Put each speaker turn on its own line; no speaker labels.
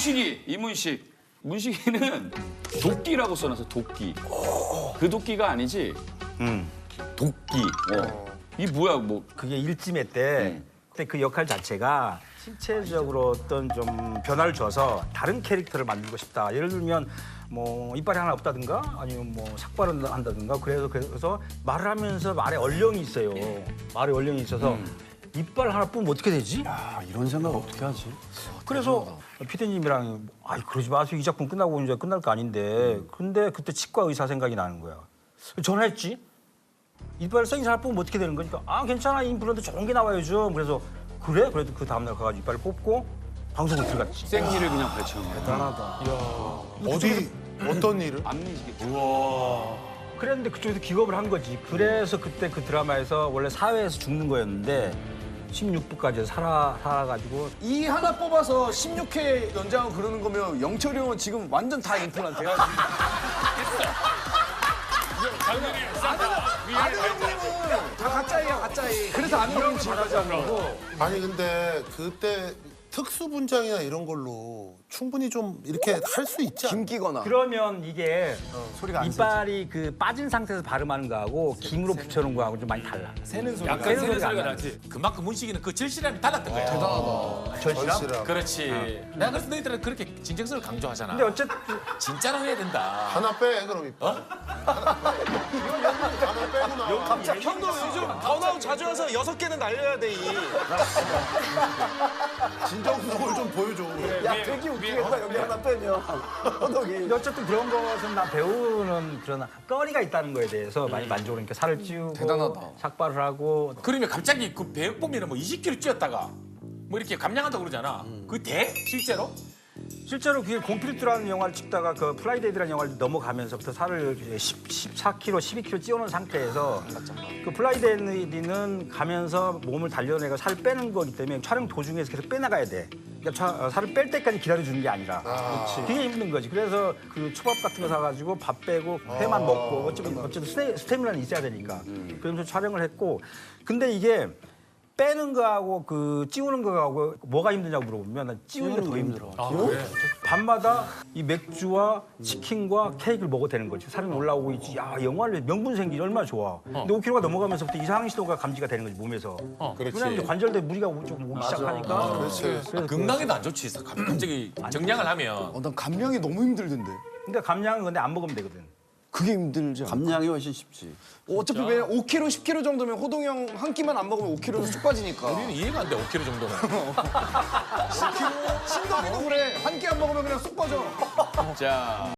이문식. 문식이는 도끼라고 써놔서 도끼. 그 도끼가 아니지. 도끼. 이 뭐야 뭐.
그게 일지매 때 그때 그 역할 자체가 신체적으로 어떤 좀 변화를 줘서 다른 캐릭터를 만들고 싶다. 예를 들면 뭐 이빨이 하나 없다든가 아니면 뭐 삭발을 한다든가 그래서 말을 하면서 말에 얼령이 있어요. 말에 얼령이 있어서 이빨 하나 뿌면 어떻게 되지?
아, 이런 생각 어떻게 하지?
그래서 피디님이랑 아이 그러지 마세요. 이 작품 끝나고 이제 끝날 거 아닌데 근데 그때 치과 의사 생각이 나는 거야. 전화했지. 이빨 생긴 사람 뽑으면 어떻게 되는 거니까 아 괜찮아 임플란트 좋은 게 나와야죠. 그래서 그래? 그래도 그 다음날 가가지고 이빨을 뽑고 방송을 들어갔지.
생리를 그냥 발췌한 거야.
대단하다.
어디 어떤 일을?
앞니시계.
그랬는데 그쪽에서 기겁을 한 거지. 그래서 그때 그 드라마에서 원래 사회에서 죽는 거였는데 16부까지 살아가지고
이 하나 뽑아서 16회 연장하고 그러는 거면 영철이 형은 지금 완전 다 임플란트야. 아는 형님은 다 가짜예요, 가짜이. 그래서 아는 형님 잘하지 않고.
아니 근데 그때 특수 분장이나 이런 걸로 충분히 좀 이렇게 할 수 있지 않아?
김기거나.
그러면 이게
소리가 안
이빨이 그 빠진 상태에서 발음하는 거하고 김으로 붙여놓은 거하고 좀 많이 달라.
새는 소리.
약간
새는
새는
소리가
소리가
안
나지. 그만큼 문식이는 그 절실함이 달랐던 거야.
대단하다.
전시랑?
절실함.
그렇지. 내가 그래서 너희들은 그렇게 진정성을 강조하잖아.
근데 어쨌든
진짜로 해야 된다.
하나 빼 그럼 이빨. 하나 빼고 나와.
갑자기 형도 요즘 번아웃 자주 와서 6개는 날려야 돼, 이.
진정성을 좀 보여줘.
야, 되게 웃기겠다, 여기 하나 빼면. 호동이.
근데 어쨌든 그런 것은 나 배우는 그런 거리가 있다는 거에 대해서 많이 만족을 하니까 살을 찌우고
대단하다.
삭발을 하고
그러면 갑자기 그 배역 보면은 뭐 20kg 찌었다가 뭐 이렇게 감량한다고 그러잖아. 그 돼? 실제로?
실제로 그게 공필투라는 영화를 찍다가 그 플라이데이라는 영화를 넘어가면서부터 살을 14kg, 12kg 찌우는 상태에서 그 플라이데이는 가면서 몸을 단련해서 살을 빼는 거기 때문에 촬영 도중에서 계속 빼나가야 돼. 그러니까 살을 뺄 때까지 기다려주는 게 아니라 그게 힘든 거지. 그래서 그 초밥 같은 거 사가지고 밥 빼고 회만 먹고 어쨌든 스태미나는 있어야 되니까 그러면서 촬영을 했고 근데 이게 빼는 거하고 그 찌우는 거하고 뭐가 힘드냐고 물어보면 난 찌우는 게 더 힘들어. 밤마다 이 맥주와 치킨과 케이크를 먹어도 되는 거지. 살이 올라오고 있지. 야, 영화를 명분 생기지 얼마나 좋아. 근데 5kg가 넘어가면서부터 이상한 신호가 감지가 되는 거지, 몸에서. 왜냐면 이제 관절대 무리가 좀 오기 시작하니까.
그렇지.
건강에도 안 좋지. 갑자기 정량을 하면.
난 감량이 너무 힘들던데.
근데 감량은 근데 안 먹으면 되거든.
그게 힘들지.
감량이 훨씬 쉽지.
어차피 왜냐면 5kg, 10kg 정도면 호동이 형 한 끼만 안 먹으면 5kg는 쑥 빠지니까.
우리는 이해가 안 돼, 5kg 정도는.
10kg? 신동이도 그래. 한 끼 안 먹으면 그냥 쑥 빠져.
자.